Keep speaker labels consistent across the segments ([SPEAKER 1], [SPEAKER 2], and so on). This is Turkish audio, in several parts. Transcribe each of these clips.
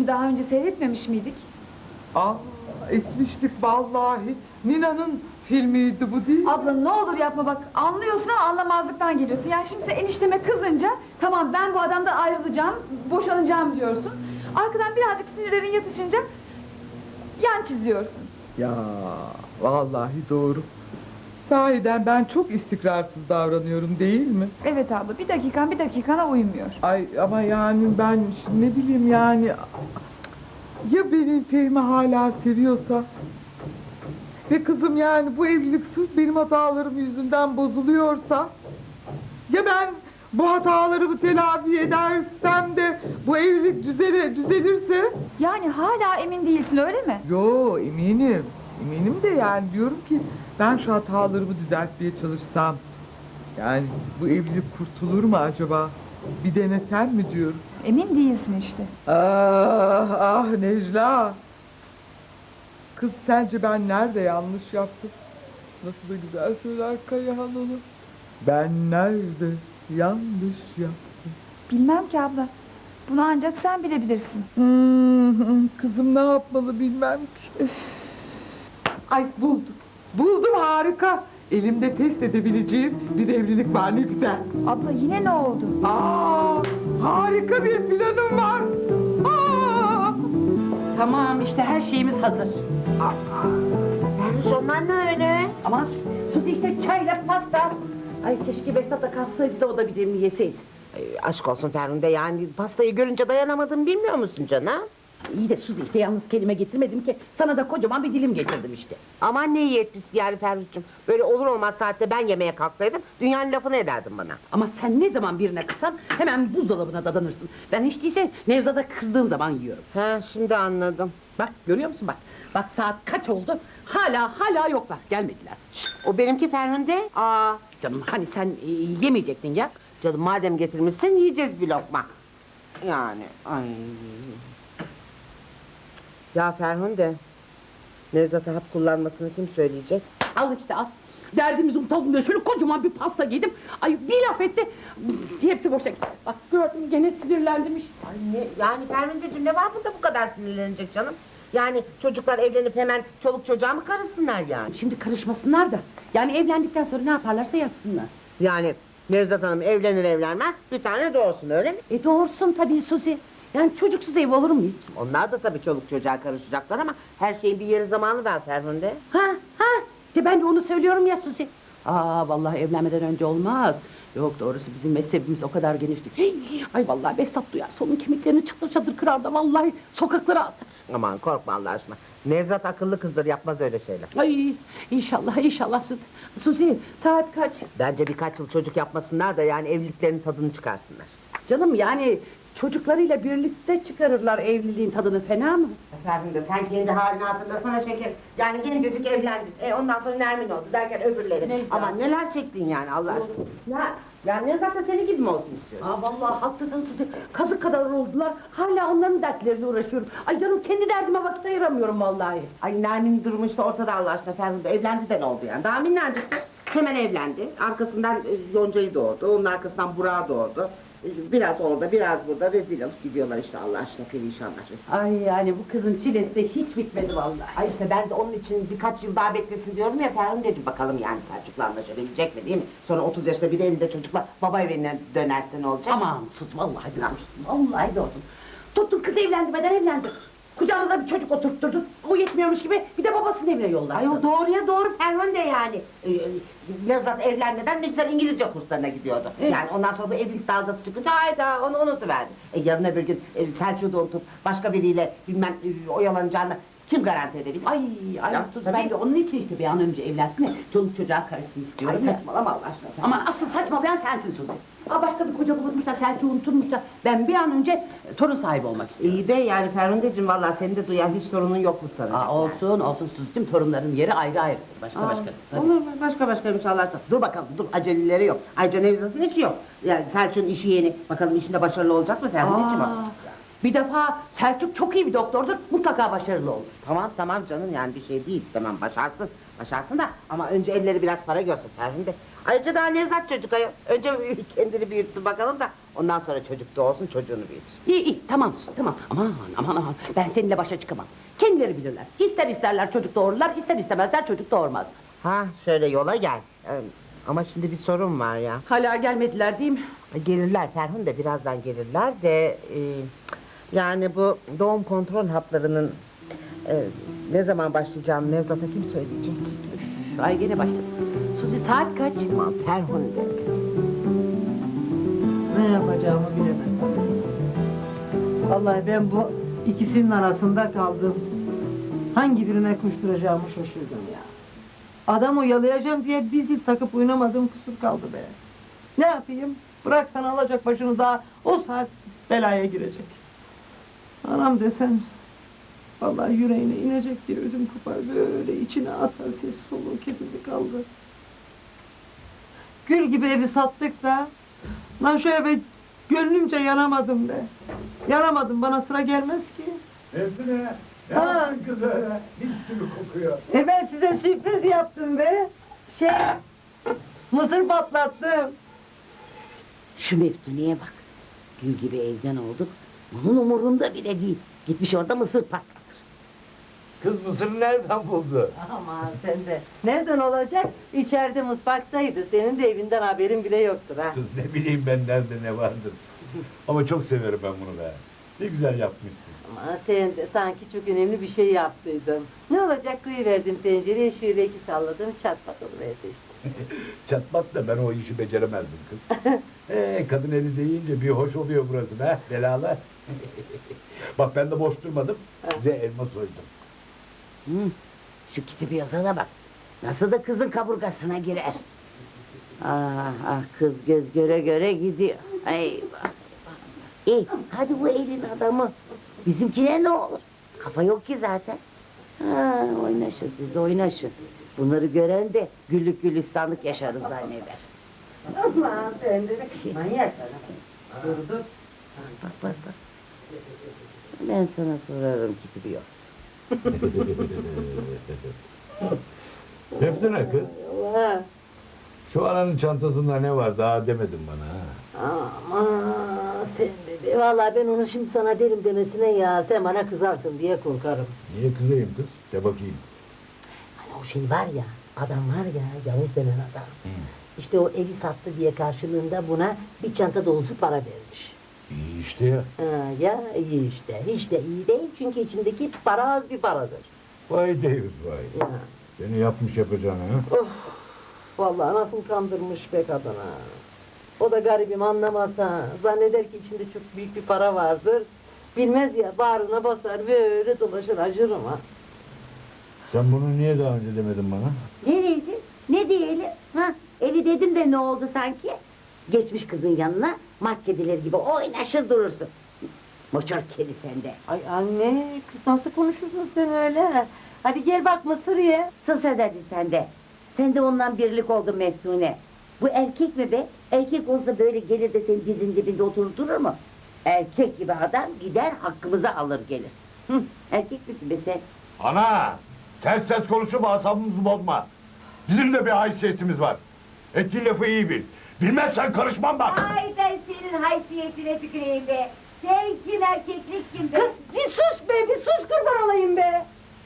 [SPEAKER 1] daha önce seyretmemiş miydik?
[SPEAKER 2] Aa, etmiştik vallahi. Nina'nın filmiydi bu değil mi?
[SPEAKER 1] Abla ne olur yapma bak, anlıyorsun ama anlamazlıktan geliyorsun. Yani şimdi sen enişteme kızınca, tamam ben bu adamdan ayrılacağım, boşanacağım diyorsun. Arkadan birazcık sinirlerin yatışınca yan çiziyorsun.
[SPEAKER 2] Ya vallahi doğru. Sahiden ben çok istikrarsız davranıyorum değil mi?
[SPEAKER 1] Evet abla, bir dakikana uymuyor.
[SPEAKER 2] Ay ama yani ben ne bileyim yani... Ya benim Fehmi hala seviyorsa? Ve kızım yani bu evlilik sırf benim hatalarım yüzünden bozuluyorsa? Ya ben bu hatalarımı telafi edersem de bu evlilik düzelirse?
[SPEAKER 1] Yani hala emin değilsin öyle mi?
[SPEAKER 2] Yo eminim. Eminim de yani diyorum ki ben şu hatalarımı düzeltmeye çalışsam, yani bu evlilik kurtulur mu acaba? Bir denesem mi diyorum.
[SPEAKER 1] Emin değilsin işte.
[SPEAKER 2] Ah ah Necla. Kız sence ben nerede yanlış yaptım? Nasıl da güzel söyler Kayahan onu. Ben nerede yanlış yaptım?
[SPEAKER 1] Bilmem ki abla. Bunu ancak sen bilebilirsin.
[SPEAKER 2] Kızım ne yapmalı bilmem ki. Ay buldum. Buldum harika. Elimde test edebileceğim bir evlilik var ne güzel.
[SPEAKER 1] Abla yine ne oldu?
[SPEAKER 2] Aa, harika bir planım var. Aa!
[SPEAKER 3] Tamam işte her şeyimiz hazır.
[SPEAKER 4] Ferruş onlar ne öyle?
[SPEAKER 3] Aman Suzi işte çayla pasta. Ay keşke Behzat da kalksaydı da o da bir dilimini yeseydi.
[SPEAKER 4] Aşk olsun Ferhunde, yani pastayı görünce dayanamadım, bilmiyor musun canım?
[SPEAKER 3] İyi de Suzi işte yalnız kelime getirmedim ki sana da kocaman bir dilim getirdim işte.
[SPEAKER 4] Aman ne iyi etmişsin yani Ferruh'cum. Böyle olur olmaz saatte ben yemeğe kalksaydım dünyanın lafını ederdin bana.
[SPEAKER 3] Ama sen ne zaman birine kızsan hemen buzdolabına dadanırsın. Ben hiç değilse Nevzat'a kızdığım zaman yiyorum.
[SPEAKER 4] Ha şimdi anladım.
[SPEAKER 3] Bak görüyor musun bak. Bak saat kaç oldu? Hala yoklar gelmediler.
[SPEAKER 4] O benimki Ferhunde. Aa,
[SPEAKER 3] Canım hani sen yemeyecektin ya.
[SPEAKER 4] canım madem getirmişsin yiyeceğiz bir lokma. Yani ay. Ya Ferhunde, Nevzat'a hap kullanmasını kim söyleyecek?
[SPEAKER 3] Al işte al. Derdimizi unutalım diye şöyle kocaman bir pasta yedim. Ay bir laf etti. Hepsi boşa gitti. Bak gördün mü gene sinirlendirmiş.
[SPEAKER 4] Ay ne, yani Ferhunde'cim ne var bunda bu kadar sinirlenecek canım? Yani çocuklar evlenip hemen çoluk çocuğa mı karışsınlar yani?
[SPEAKER 3] Şimdi karışmasınlar da. Yani evlendikten sonra ne yaparlarsa yapsınlar.
[SPEAKER 4] Yani Nevzat Hanım evlenir evlenmez bir tane doğursun öyle mi?
[SPEAKER 3] Doğursun tabii Suzi. Yani çocuksuz ev olur mu hiç?
[SPEAKER 4] Onlar da tabii çoluk çocuğa karışacaklar ama her şeyin bir yeri zamanı var Ferhunde.
[SPEAKER 3] Ha işte ben de onu söylüyorum ya Suzi. Vallahi evlenmeden önce olmaz. Yok doğrusu bizim mezhebimiz o kadar genişti. Ay vallahi Behzat duyarsa onun kemiklerini çatır çatır kırar da vallahi sokaklara atar.
[SPEAKER 4] Aman korkma Allah aşkına. Nevzat akıllı kızdır, yapmaz öyle şeyler.
[SPEAKER 3] Ay inşallah Suzi. Suzi saat kaç?
[SPEAKER 4] Bence birkaç yıl çocuk yapmasınlar da yani evliliklerinin tadını çıkarsınlar.
[SPEAKER 3] Canım yani çocuklarıyla birlikte çıkarırlar evliliğin tadını, fena mı?
[SPEAKER 4] Efendim de sen kendi halini hatırlasana şeker. Yani gencecik evlendin. Ondan sonra Nermin oldu derken öbürleri.
[SPEAKER 3] Neyse.
[SPEAKER 4] Aman neler çektin yani Allah aşkına. Ya Nevzat da senin gibi mi olsun istiyorsun?
[SPEAKER 3] Vallahi haklısın Suzi. Kazık kadar oldular. Hala onların dertleriyle uğraşıyorum. Ay canım kendi derdime vakit ayıramıyorum vallahi.
[SPEAKER 4] Ay Nermin durumu işte ortada Allah aşkına Ferhunde. Evlendi de ne oldu yani? Daha minnacıktı. Hemen evlendi. Arkasından Yonca'yı doğurdu. Onun arkasından Burak'ı doğurdu. Biraz orada biraz burada rezil alıp gidiyorlar işte Allah aşkına perişanlar.
[SPEAKER 3] Ay yani bu kızın çilesi de hiç bitmedi vallahi.
[SPEAKER 4] Ay işte ben de onun için birkaç yıl daha beklesin diyorum ya Ferhunde'cim. Bakalım yani Selçuk'la anlaşabilecek mi değil mi? Sonra 30 yaşında bir de elinde çocukla baba evine dönerse ne olacak?
[SPEAKER 3] Aman sus vallahi demiştim. Vallahi doğdum. Tuttun kız evlendirmeden evlendi. Kucağına da bir çocuk oturtturdun. O yetmiyormuş gibi bir de babasının evine yolladı.
[SPEAKER 4] Ay o doğruya doğru Ferhunde yani. Nevzat evlenmeden ne güzel İngilizce kurslarına gidiyordu.
[SPEAKER 3] Evet.
[SPEAKER 4] Yani ondan sonra bu evlilik dalgası çıkınca hayda onu unutuverdi. Yarın öbür gün Selçuk'u da unutup başka biriyle bilmem oyalanacağını kim garanti edebilir?
[SPEAKER 3] Ay
[SPEAKER 4] Ya,
[SPEAKER 3] sus
[SPEAKER 4] tabii.
[SPEAKER 3] ben de onun için işte bir an önce evlensin de çoluk çocuğa karışsın istiyorum.
[SPEAKER 4] Ay saçmalama Allah aşkına.
[SPEAKER 3] Ama asıl saçmalayan sensin Suzi. Başka bir koca bulurmuş da Selçuk'u unuturmuş da ben bir an önce torun sahibi olmak istiyorum.
[SPEAKER 4] İyi de yani Ferhunde'cim vallahi seni de duyan hiç torunun yok mu sanacak?
[SPEAKER 3] Olsun Suzi'cim torunların yeri ayrı ayrı. Başka. Tabii.
[SPEAKER 4] Olur başka inşallah. Dur bakalım dur aceleleri yok. Ayrıca Nevzat'ın işi yok. Yani Selçuk'un işi yeni. Bakalım işinde başarılı olacak mı Ferhunde'cim?
[SPEAKER 3] Bir defa Selçuk çok iyi bir doktordur, mutlaka başarılı olur.
[SPEAKER 4] Tamam canım yani bir şey değil. Tamam başarsın da ama önce elleri biraz para görsün Ferhunde. Ayrıca daha Nevzat çocuk ayol. Önce kendini büyütsün bakalım da Ondan sonra çocuk doğsun, çocuğunu büyütür.
[SPEAKER 3] İyi iyi tamam Suzi tamam. Aman ben seninle başa çıkamam. Kendileri bilirler. İster isterler çocuk doğururlar, ister istemezler çocuk doğurmaz.
[SPEAKER 4] Ha şöyle yola gel. Ama şimdi bir sorun var ya.
[SPEAKER 3] Hala gelmediler değil mi?
[SPEAKER 4] Gelirler Ferhun da birazdan gelirler de... yani bu doğum kontrol haplarının... ne zaman başlayacağını Nevzat'a kim söyleyecek?
[SPEAKER 3] Ay gene başladı. Suzi saat kaç?
[SPEAKER 4] Aman Ferhun de.
[SPEAKER 5] Ne yapacağımı bilemem. Vallahi ben bu ikisinin arasında kaldım. Hangi birine koşturacağımı şaşırdım ya. Adam oyalayacağım diye bir zil takıp oynamadığım kusur kaldı be. Ne yapayım? Bıraksan alacak başını daha o saat belaya girecek. Anam desen vallahi yüreğine inecek diye ödüm kopar böyle içine atar ses soluğu kesildi kaldı. Gül gibi evi sattık da lan şu eve gönlümce yanamadım be. Yanamadım bana sıra gelmez ki.
[SPEAKER 6] Evdine. Ne
[SPEAKER 5] Ha.
[SPEAKER 6] yaptın kız öyle? Mis gibi kokuyor.
[SPEAKER 5] Ben size sürpriz yaptım be. Mısır patlattım.
[SPEAKER 3] Şu Meftuneye bak. Gül gibi evden olduk. Bunun umurunda bile değil. Gitmiş orada mısır patlatır.
[SPEAKER 6] Kız mısırı nereden buldu?
[SPEAKER 5] Aman sen de. Nereden olacak? İçeride mutfaktaydı. Senin de evinden haberin bile yoktur ha.
[SPEAKER 6] Kız ne bileyim ben nerede ne vardır. Ama çok severim ben bunu be. Ne güzel yapmışsın.
[SPEAKER 5] Ama sen de sanki çok önemli bir şey yaptıydın. Ne olacak verdim tencereye şöyle iki salladım çatpat oluverdi işte.
[SPEAKER 6] Çatmak da ben o işi beceremezdim kız. Kadın eli deyince bir hoş oluyor burası be belalar. Bak ben de boş durmadım. Size elma soydum.
[SPEAKER 3] Şu kitabı yazana bak. Nasıl da kızın kaburgasına girer. Ah kız göz göre göre gidiyor. Eyvah. İyi hadi bu elin adamı. Bizimkine ne olur? Kafa yok ki zaten. Ha, oynaşın siz oynaşın. Bunları gören de güllük gülistanlık yaşarız zanneder.
[SPEAKER 5] Aman sen de manyak adam. Dur.
[SPEAKER 3] Bak. Ben sana sorarım Kitibios.
[SPEAKER 6] Meftune kız.
[SPEAKER 5] Allah.
[SPEAKER 6] Şu ananın çantasında ne var daha demedin bana ha.
[SPEAKER 5] Aman sen de. Vallahi ben onu şimdi sana derim demesine ya. Sen bana kızarsın diye korkarım.
[SPEAKER 6] Niye kızayım kız? De bakayım.
[SPEAKER 5] Hani o şey var ya. Adam var ya. Yavuz denen adam. İşte o evi sattı diye karşılığında buna bir çanta dolusu para vermiş.
[SPEAKER 6] İyi işte ya.
[SPEAKER 5] Ya iyi işte. Hiç de iyi değil çünkü içindeki para az bir paradır.
[SPEAKER 6] Vay David vay.
[SPEAKER 5] Ya.
[SPEAKER 6] Seni yapmış yapacağını ha.
[SPEAKER 5] Vallahi nasıl kandırmış be kadına. O da garibim anlamasa. Zanneder ki içinde çok büyük bir para vardır. Bilmez ya bağrına basar böyle dolaşır acırım ha.
[SPEAKER 6] Sen bunu niye daha önce demedin bana?
[SPEAKER 3] Ne diyeceğiz? Ne diyelim? Ha? Evi dedim de ne oldu sanki? Geçmiş kızın yanına mat kedileri gibi oynaşır durursun. Moçor kedi sende.
[SPEAKER 5] Ay anne kız nasıl konuşursun sen öyle? Hadi gel bak mısır ye.
[SPEAKER 3] Sus hadi sen de. Sen de ondan birlik oldun Meftune. Bu erkek mi be? Erkek olsa böyle gelir de senin dizin dibinde oturup durur mu? Erkek gibi adam gider hakkımızı alır gelir. Erkek misin be sen?
[SPEAKER 6] Ana! Ters ses konuşup asabımızı bozma. Bizim de bir haysiyetimiz var. Ettiğin lafı iyi bil. Bilmezsen karışmam bak.
[SPEAKER 3] Ay ben senin haysiyetine tüküreyim be. Sen kim erkeklik kim be?
[SPEAKER 5] Kız bir sus be bir sus kurban olayım be.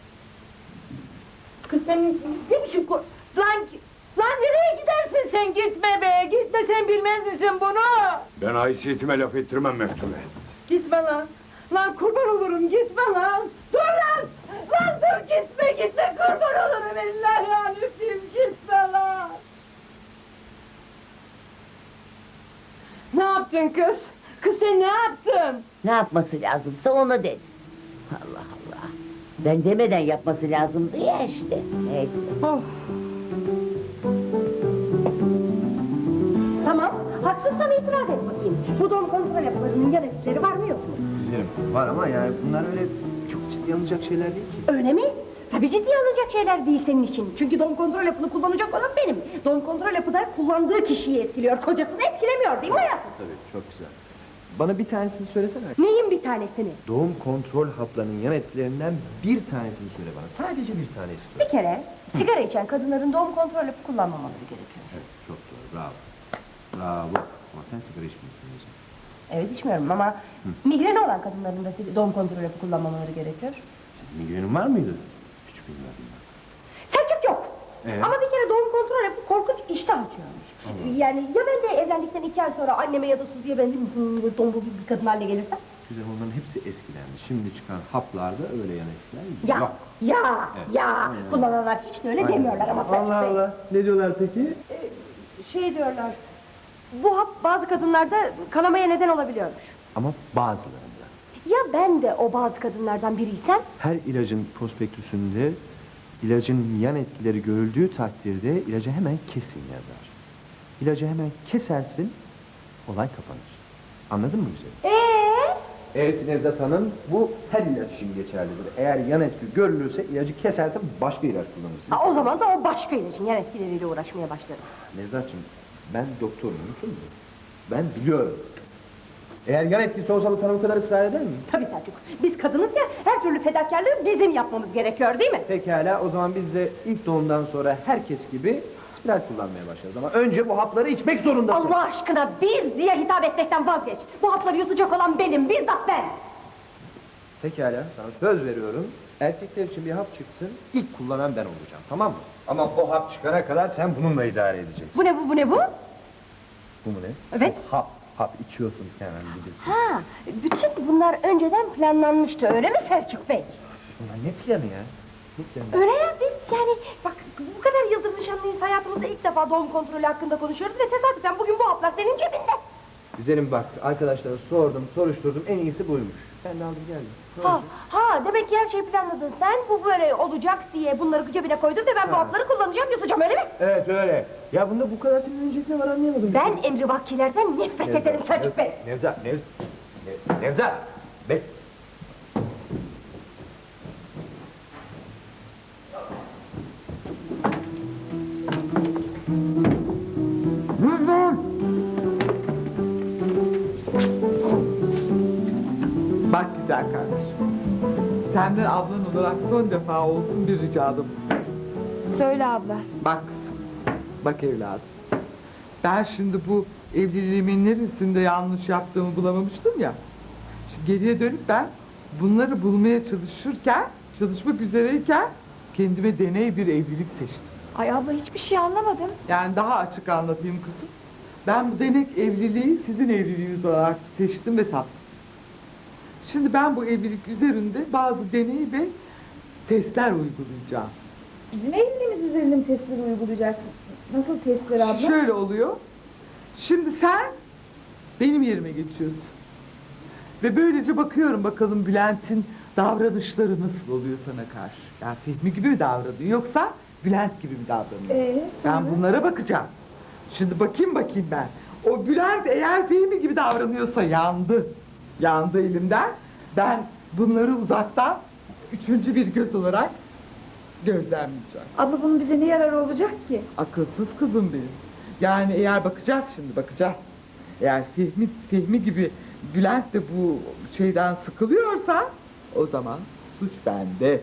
[SPEAKER 5] Kız sen ne biçim Lan nereye gidersin sen gitme be gitme sen bilmez misin bunu?
[SPEAKER 6] Ben haysiyetime laf ettirmem Meftune.
[SPEAKER 5] Gitme lan. Lan kurban olurum gitme lan. Dur lan. Lan dur gitme kurban olurum eller ya öpeyim gitme lan. Ne yaptın kız? Kız sen ne yaptın?
[SPEAKER 3] Ne yapması lazımsa onu dedi. Allah Allah. Ben demeden yapması lazımdı ya işte. Neyse.
[SPEAKER 5] Oh.
[SPEAKER 7] Tamam, haksızsam itiraz et bakayım. Bu doğum kontrol yapılarının yan etkileri var mı yok mu?
[SPEAKER 8] Güzelim var ama yani bunlar öyle çok ciddi alınacak şeyler değil ki.
[SPEAKER 7] Öyle mi? Tabii ciddiye alınacak şeyler değil senin için. Çünkü doğum kontrol yapını kullanacak olan benim. Doğum kontrol yapı da kullandığı kişiyi etkiliyor, kocasını etkilemiyor değil mi hayatım?
[SPEAKER 8] Tabii çok güzel. Bana bir tanesini söylesene.
[SPEAKER 7] Neyin bir tanesini?
[SPEAKER 8] Doğum kontrol haplarının yan etkilerinden bir tanesini söyle bana. Sadece bir tane istiyorum.
[SPEAKER 7] Bir kere sigara içen kadınların doğum kontrol yapı kullanmamaları gerekiyor.
[SPEAKER 8] Evet çok doğru bravo. Bravo. Ama sen sigara içmiyorsun diyeceğim.
[SPEAKER 7] Evet içmiyorum ama migreni olan kadınların da doğum kontrol hapı kullanmamaları gerekiyor.
[SPEAKER 8] Migrenin var mıydı? Hiç bilmiyordum ben.
[SPEAKER 7] Selçuk yok. Ama bir kere doğum kontrol hapı korkunç iştah açıyormuş. Yani ya ben de evlendikten 2 ay sonra anneme ya da Suzi'ye benzeyim tombul bir kadın haline gelirsem?
[SPEAKER 8] Güzel, onların hepsi eskilendi. Şimdi çıkan haplarda öyle yan etkiler
[SPEAKER 7] Ya,
[SPEAKER 8] yok.
[SPEAKER 7] ya. Kullananlar hiç de öyle demiyorlar ama Selçuk
[SPEAKER 8] Allah
[SPEAKER 7] Bey.
[SPEAKER 8] Allah. Ne diyorlar peki?
[SPEAKER 7] Şey diyorlar, bu hap bazı kadınlarda kanamaya neden olabiliyormuş.
[SPEAKER 8] Ama bazılarında.
[SPEAKER 7] Ya ben de o bazı kadınlardan biriysem?
[SPEAKER 8] Her ilacın prospektüsünde ilacın yan etkileri görüldüğü takdirde ilacı hemen kesin yazar. İlacı hemen kesersin, olay kapanır. Anladın mı güzelim? Evet Nevzat Hanım, bu her ilaç için geçerlidir. Eğer yan etki görülürse ilacı kesersen başka ilaç kullanırsın.
[SPEAKER 7] O zaman da o başka ilacın yan etkileriyle uğraşmaya başlarım.
[SPEAKER 8] Nevzat'cığım, ben doktorum, unutur musun? Ben biliyorum. Eğer yan etkisi olsa sana bu kadar ısrar eder mi?
[SPEAKER 7] Tabii Selçuk, biz kadınız ya, her türlü fedakarlığı bizim yapmamız gerekiyor değil mi?
[SPEAKER 8] Pekala, o zaman biz de ilk doğumdan sonra herkes gibi spiral kullanmaya başlarız. Ama önce bu hapları içmek zorundasın.
[SPEAKER 7] Allah aşkına biz diye hitap etmekten vazgeç. Bu hapları yutacak olan benim, bizzat ben.
[SPEAKER 8] Pekala, sana söz veriyorum. Erkekler için bir hap çıksın, ilk kullanan ben olacağım, tamam mı? Ama o hap çıkana kadar sen bununla idare edeceksin.
[SPEAKER 7] Bu ne bu, bu ne bu?
[SPEAKER 8] Bu mu ne?
[SPEAKER 7] Evet.
[SPEAKER 8] Hap içiyorsun hemen bilirsin.
[SPEAKER 7] Ha, bütün bunlar önceden planlanmıştı, öyle mi Selçuk Bey?
[SPEAKER 8] Ulan ne planı ya? Ne planı?
[SPEAKER 7] Öyle ya, biz yani bak bu kadar yıldır nişanlıyız, hayatımızda ilk defa doğum kontrolü hakkında konuşuyoruz ve tesadüfen bugün bu haplar senin cebinde.
[SPEAKER 8] Güzelim bak, arkadaşlara sordum, soruşturdum, en iyisi buymuş. Ben de aldım geldim. Ne olacak?
[SPEAKER 7] Demek ki her şeyi planladın sen, bu böyle olacak diye bunları cebine koydun ve ben bu hapları kullanacağım, yutacağım, öyle mi?
[SPEAKER 8] Evet öyle. Ya bunda bu kadar sinirlenecek ne var anlayamadım.
[SPEAKER 7] Ben emrivakilerden nefret ederim Selçuk Bey.
[SPEAKER 8] Nevzat! Bek.
[SPEAKER 2] Bak güzel kardeşim. Senden ablan olarak son defa olsun bir ricadım.
[SPEAKER 1] Söyle abla.
[SPEAKER 2] Bak kızım, bak evladım. Ben şimdi bu evliliğimin neresinde yanlış yaptığımı bulamamıştım ya. Şimdi geriye dönüp ben bunları bulmaya çalışmak üzereyken kendime deney bir evlilik seçtim.
[SPEAKER 1] Ay abla hiçbir şey anlamadım.
[SPEAKER 2] Yani daha açık anlatayım kızım. Ben bu denek evliliği sizin evliliğiniz olarak seçtim ve sattım. Şimdi ben bu evlilik üzerinde bazı deney ve testler uygulayacağım.
[SPEAKER 1] Bizim evliliğimiz üzerinde mi testleri uygulayacaksın? Nasıl testler abla?
[SPEAKER 2] Şöyle oluyor. Şimdi sen benim yerime geçiyorsun. Ve böylece bakıyorum bakalım Bülent'in davranışları nasıl oluyor sana karşı. Yani Fehmi gibi mi davranıyor yoksa Bülent gibi mi davranıyor? Ben bunlara bakacağım. Şimdi bakayım ben. O Bülent eğer Fehmi gibi davranıyorsa yandı. Yandı elimden. Ben bunları uzaktan üçüncü bir göz olarak gözlemleyeceğim.
[SPEAKER 1] Abla bunun bize ne yararı olacak ki?
[SPEAKER 2] Akılsız kızım benim. Yani eğer bakacağız. Eğer Fehmi gibi Bülent de bu şeyden sıkılıyorsa o zaman suç bende.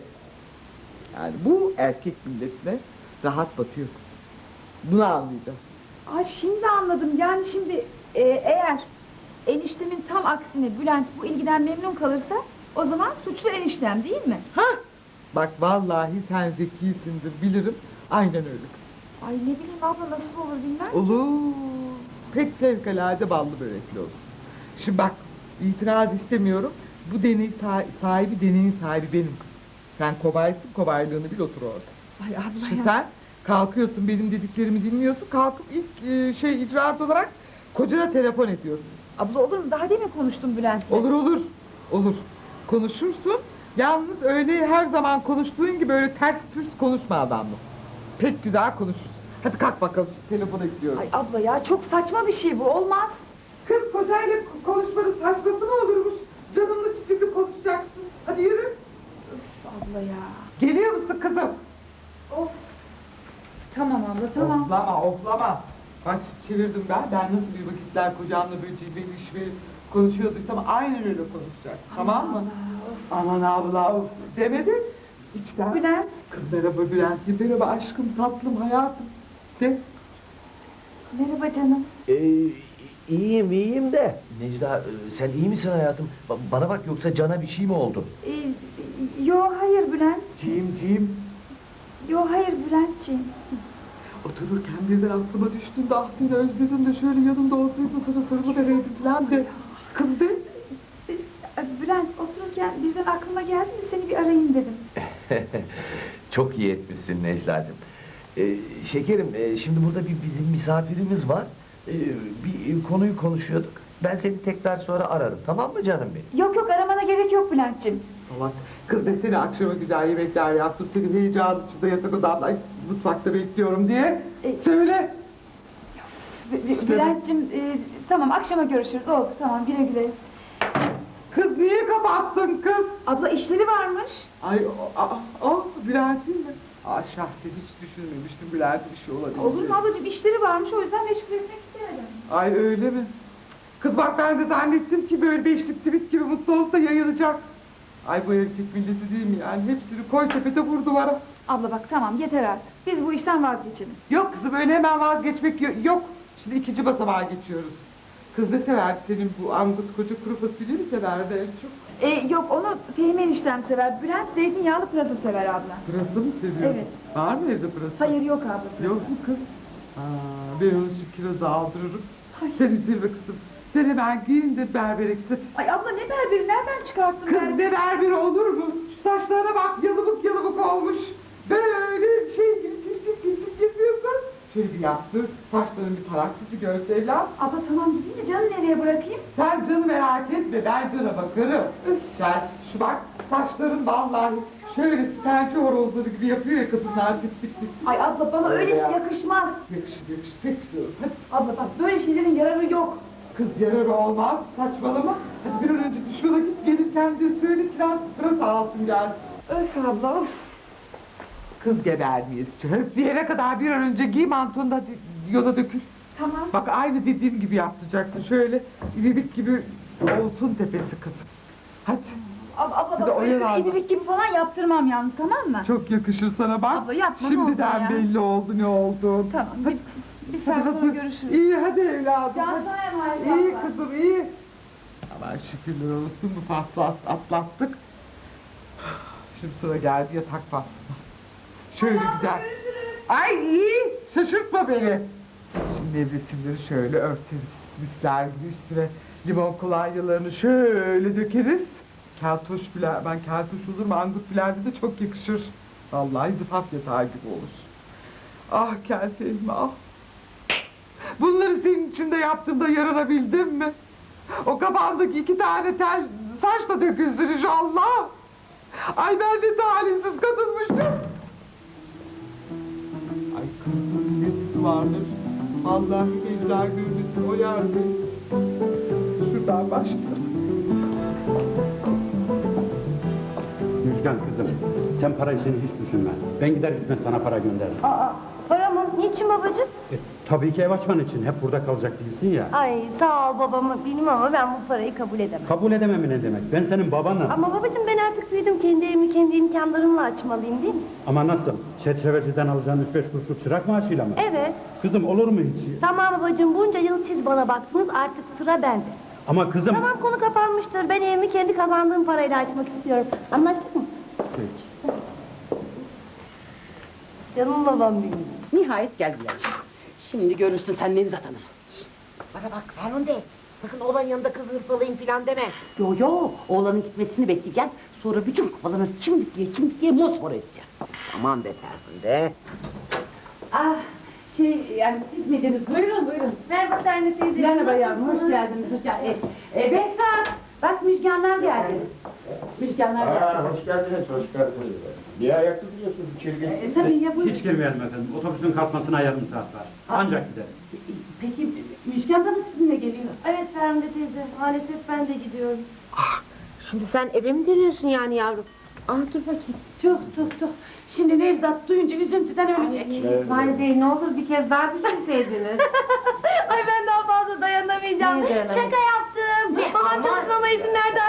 [SPEAKER 2] Yani bu erkek milletine rahat batıyor. Bunu anlayacağız.
[SPEAKER 1] Ay şimdi anladım. Yani şimdi eğer eniştemin tam aksine Bülent bu ilgiden memnun kalırsa o zaman suçlu eniştem değil mi?
[SPEAKER 2] Bak vallahi sen zekisindir bilirim. Aynen öyle kızım.
[SPEAKER 1] Ay ne bileyim abla nasıl olur bilmem.
[SPEAKER 2] Olur. Pek fevkalade ballı börekli olur. Şimdi bak itiraz istemiyorum. Bu deney deneyin sahibi benim kızım. Sen kobaysın, kobaylığını bil otur orada.
[SPEAKER 1] Ay abla
[SPEAKER 2] Şimdi
[SPEAKER 1] ya.
[SPEAKER 2] sen kalkıyorsun benim dediklerimi dinliyorsun. Kalkıp ilk icraat olarak kocana telefon ediyorsun.
[SPEAKER 1] Abla olur mu? Daha demin konuştum Bülent'le.
[SPEAKER 2] Olur. Konuşursun. Yalnız öyle her zaman konuştuğun gibi öyle ters pürs konuşma adamla. Pek güzel konuşursun. Hadi kalk bakalım telefona gidiyorum.
[SPEAKER 1] Ay abla ya çok saçma bir şey bu. Olmaz.
[SPEAKER 2] Kız kocayla konuşmanın saçması mı olurmuş? Canımlı çiçekli konuşacaksın. Hadi yürü.
[SPEAKER 1] Abla ya.
[SPEAKER 2] Geliyor musun kızım?
[SPEAKER 1] Tamam abla tamam.
[SPEAKER 2] Oflama. Bak çevirdim ben. Ben nasıl bir vakitler kocamla böyle cilveliş ve konuşuyorduysam aynen öyle konuşacaksın. Tamam mı? Aman abla of. Demedi. İçten.
[SPEAKER 1] Bülent.
[SPEAKER 2] Kız merhaba Bülent. Merhaba aşkım, tatlım, hayatım. De.
[SPEAKER 1] Merhaba canım.
[SPEAKER 9] İyiyim de. Necla sen iyi misin hayatım? Bana bak yoksa Can'a bir şey mi oldu?
[SPEAKER 1] Yo hayır Bülent.
[SPEAKER 2] Cim.
[SPEAKER 1] Yo hayır Bülentciğim.
[SPEAKER 2] Otururken birden aklıma düştün de ah seni özledim de şöyle yanımda olsaydın sana sarılıvereydim falan de. Kız de.
[SPEAKER 1] Bülent otururken birden aklıma geldi de seni bir arayayım dedim.
[SPEAKER 9] Çok iyi etmişsin Necla'cığım. Şekerim şimdi burada bizim misafirimiz var. Bir konuyu konuşuyorduk. Ben seni tekrar sonra ararım, tamam mı canım benim?
[SPEAKER 1] Yok aramana gerek yok Bülentciğim.
[SPEAKER 2] Salak. Kız desene akşama güzel yemekler yaptım. Seni heyecan içinde yatak odamda mutfakta bekliyorum diye. Söyle.
[SPEAKER 1] Bülentciğim tamam akşama görüşürüz oldu tamam güle güle.
[SPEAKER 2] Kız niye kapattın kız?
[SPEAKER 1] Abla işleri varmış.
[SPEAKER 2] Ay Bülent'in mi? Şahsen hiç düşünmemiştim Bülent'in bir şey olabilir.
[SPEAKER 1] Olur mu ablacığım işleri varmış o yüzden meşgul etmek istemedim.
[SPEAKER 2] Ay öyle mi? Kız bak ben de zannettim ki böyle beşlik simit gibi mutlu olup da yayılacak. Ay bu erkek milleti değil mi yani? Hepsini koy sepete vur duvara.
[SPEAKER 1] Abla bak tamam yeter artık. Biz bu işten vazgeçelim.
[SPEAKER 2] Yok kızım öyle hemen vazgeçmek yok. Şimdi ikinci basamağa geçiyoruz. Kız ne severdi senin bu angut koca kuru fasulyeyi mi severdi en çok?
[SPEAKER 1] Yok onu Fehmi eniştem sever. Bülent zeytinyağlı pırasa sever abla.
[SPEAKER 2] Pırasa mı seviyor?
[SPEAKER 1] Evet.
[SPEAKER 2] Var mı evde pırasa?
[SPEAKER 1] Hayır yok abla pırasa.
[SPEAKER 2] Yok mu kız? Ben onu şu kirazı aldırırım. Sen üzülme kızım. Sen hemen giyin de berbere git.
[SPEAKER 1] Ay abla ne berberi nereden çıkarttın
[SPEAKER 2] Kız ne berberi olur mu? Şu saçlarına bak yalıbık olmuş. Böyle şey tiltik yapıyorsun. Şöyle bir yaptır. Saçların bir taraklısı görse evlat.
[SPEAKER 1] Abla tamam gideyim de canı nereye bırakayım?
[SPEAKER 2] Sen canı merak etme ben cana bakarım. Sen şu bak saçların vallahi şöyle siperci horozları gibi yapıyor ya kadınlar tip tip.
[SPEAKER 1] Ay abla bana öylesi yakışmaz.
[SPEAKER 2] Yakışır pek diyorum. Hadi.
[SPEAKER 1] Abla bak böyle şeylerin yararı yok.
[SPEAKER 2] Kız yararı olmaz saçmalama. Hadi bir an önce duşuna git gelirken de söyle kiraz pırasa alsın gel.
[SPEAKER 1] Öf abla of.
[SPEAKER 2] Kız geber miyiz? Höfleyene kadar bir an önce giy mantonu da hadi yola dökül.
[SPEAKER 1] Tamam.
[SPEAKER 2] Bak aynı dediğim gibi yapacaksın. Şöyle ibibik gibi olsun tepesi kızım. Hadi.
[SPEAKER 1] Abla
[SPEAKER 2] Bir de
[SPEAKER 1] bak
[SPEAKER 2] oyalan
[SPEAKER 1] öyle
[SPEAKER 2] bak.
[SPEAKER 1] ibibik gibi falan yaptırmam yalnız tamam mı?
[SPEAKER 2] Çok yakışır sana bak.
[SPEAKER 1] Abla yapma, ne olur
[SPEAKER 2] Şimdiden
[SPEAKER 1] ya.
[SPEAKER 2] belli oldu ne oldu.
[SPEAKER 1] Tamam bir saat sonra görüşürüz.
[SPEAKER 2] İyi hadi evladım.
[SPEAKER 1] Can
[SPEAKER 2] hadi.
[SPEAKER 1] sana emanet
[SPEAKER 2] İyi
[SPEAKER 1] abla.
[SPEAKER 2] kızım iyi. Aman şükürler olsun bu faslı atlattık. Şimdi sıra geldi yatak faslına. Şöyle güzel. Ay iyi şaşırtma beni. Şimdi nevresimleri şöyle örteriz. Misler gibi üstüne limon kolonyalarını şöyle dökeriz. Keltoş bile, ben keltoş olur mu? Angut bilerde de çok yakışır. Vallahi zıfaf yatağı gibi olur. Ah kel Fehmi ah. Bunları senin içinde yaptığımda yaranabildim mi? O kafandaki 2 tane tel saç da dökülsün inşallah. Ay ben ne talihsiz kadınmışım. Ay kızın nefsi vardır. Allah'ım evler görmesin o yerde. Şuradan başlayalım.
[SPEAKER 10] Müjgan kızım, sen para işini hiç düşünme. Ben gider gitmez sana para gönderirim.
[SPEAKER 7] Para mı? Niçin babacığım?
[SPEAKER 10] Tabii ki ev açman için. Hep burada kalacak değilsin ya.
[SPEAKER 7] Ay sağ ol babamı bilmem ama ben bu parayı kabul edemem.
[SPEAKER 10] Kabul edemem ne demek? Ben senin babanım.
[SPEAKER 7] Ama babacığım ben artık büyüdüm. Kendi evimi kendi imkanlarımla açmalıyım değil mi?
[SPEAKER 10] Ama nasıl? Çerçeveciden alacağın 3-5 kuruşluk çırak maaşıyla mı?
[SPEAKER 7] Evet.
[SPEAKER 10] Kızım olur mu hiç?
[SPEAKER 7] Tamam babacığım bunca yıl siz bana baktınız artık sıra bende.
[SPEAKER 10] Ama kızım...
[SPEAKER 7] Tamam konu kapanmıştır. Ben evimi kendi kazandığım parayla açmak istiyorum. Anlaştık mı?
[SPEAKER 10] Peki.
[SPEAKER 7] Canım babam benim.
[SPEAKER 3] Nihayet geldiler. Şimdi görürsün sen Nevzat Hanım.
[SPEAKER 4] Bana bak Ferhunde, sakın oğlan yanında kız hırpalayayım filan deme.
[SPEAKER 3] Yo oğlanın gitmesini bekleyeceğim. Sonra bütün kafalarını çimdik diye mosmor edeceğim.
[SPEAKER 4] Aman be Ferhunde.
[SPEAKER 3] Ah yani siz miydiniz? Buyurun.
[SPEAKER 7] Merhaba Terne teyze.
[SPEAKER 3] Merhaba yavrum hoş geldiniz. Behzat bak Müjganlar geldi. Müjganlar geldi.
[SPEAKER 11] Hoş geldiniz. Niye ayakta duruyorsunuz? İçeri geçsiniz.
[SPEAKER 3] Tabii ya buyurun.
[SPEAKER 10] Hiç girmeyelim efendim. Otobüsün kalkmasına yarım saat var. Ancak gideriz.
[SPEAKER 3] Peki Müjgan da mı sizinle geliyor?
[SPEAKER 7] Evet Ferhunde teyze. Maalesef ben de gidiyorum.
[SPEAKER 4] Şimdi sen eve mi dönüyorsun yani yavrum? Dur bakayım.
[SPEAKER 3] Tuh. Şimdi Nevzat duyunca üzüntüden ölecek.
[SPEAKER 4] İsmail Bey ne olur bir kez daha düşünseydiniz.
[SPEAKER 7] Ay ben daha fazla dayanamayacağım.
[SPEAKER 4] Niye dayanamayacağım?
[SPEAKER 7] Şaka yaptım. Babam çalışmama izin verdi artık geri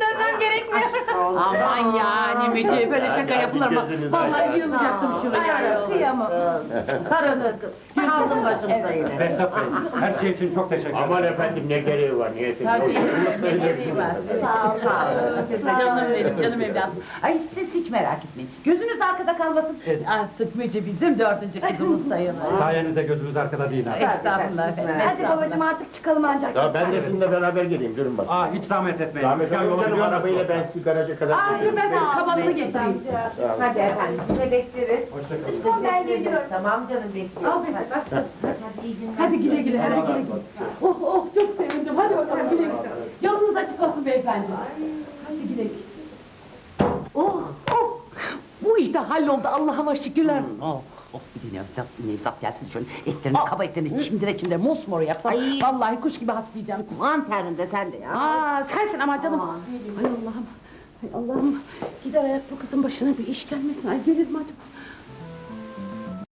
[SPEAKER 1] dönmem gerekmiyor.
[SPEAKER 3] Aman yani Müce böyle şaka yapılır mı?
[SPEAKER 11] gözünüzü
[SPEAKER 3] Vallahi
[SPEAKER 11] açın.
[SPEAKER 3] yığılacaktım şuraya.
[SPEAKER 1] Kıyamam.
[SPEAKER 4] Karısı kız. Aldım başımıza yine.
[SPEAKER 10] Behzat Bey, her şey için çok teşekkür ederim.
[SPEAKER 11] Aman efendim ne gereği var niyeti.
[SPEAKER 3] Tabii, ne gereği var.
[SPEAKER 4] Sağ ol, sağ ol.
[SPEAKER 3] Canım benim, canım evladım. Ay siz hiç merak etmeyin. Gözünüz arkada kalmasın. Artık Müce bizim 4. kızımız sayılır.
[SPEAKER 10] Sayenizde gözümüz arkada değil ha.
[SPEAKER 3] Estağfurullah efendim,
[SPEAKER 7] Hadi
[SPEAKER 3] estağfurullah.
[SPEAKER 7] babacığım artık çıkalım ancak.
[SPEAKER 11] Ya ben de sizinle beraber geleyim durun bak.
[SPEAKER 10] Aa, hiç zahmet etmeyin.
[SPEAKER 11] Rahmet
[SPEAKER 10] Ya, yolu
[SPEAKER 11] olun canım
[SPEAKER 10] biliyor
[SPEAKER 11] arabayla
[SPEAKER 10] musunuz?
[SPEAKER 11] ben sizi garaja kadar
[SPEAKER 3] Dur ben senin kabanını getireyim.
[SPEAKER 4] Hadi efendim, size bekleriz.
[SPEAKER 7] Çıkalım ben geliyorum.
[SPEAKER 4] Tamam canım, bekliyorum.
[SPEAKER 3] Al Behzat, bak. Hadi güle güle, hadi güle güle. Oh oh çok sevindim, hadi bakalım güle güle. Yolunuz açık olsun beyefendi. Hadi güle güle. Oh oh. Bu işte halloldu, Allah'ıma şükürler olsun. Oh. Oh bir de Nevzat gelsin şöyle etlerini, kaba etlerini çimdire mosmor yapsam.
[SPEAKER 4] Ay.
[SPEAKER 3] Vallahi kuş gibi hafifleyeceğim.
[SPEAKER 4] Aman terinde sen de ya.
[SPEAKER 3] Aa sensin ama canım. Ay Allah'ım. Ay Allah'ım. Gider ayak bu kızın başına bir iş gelmesin. Ay gelir mi acaba?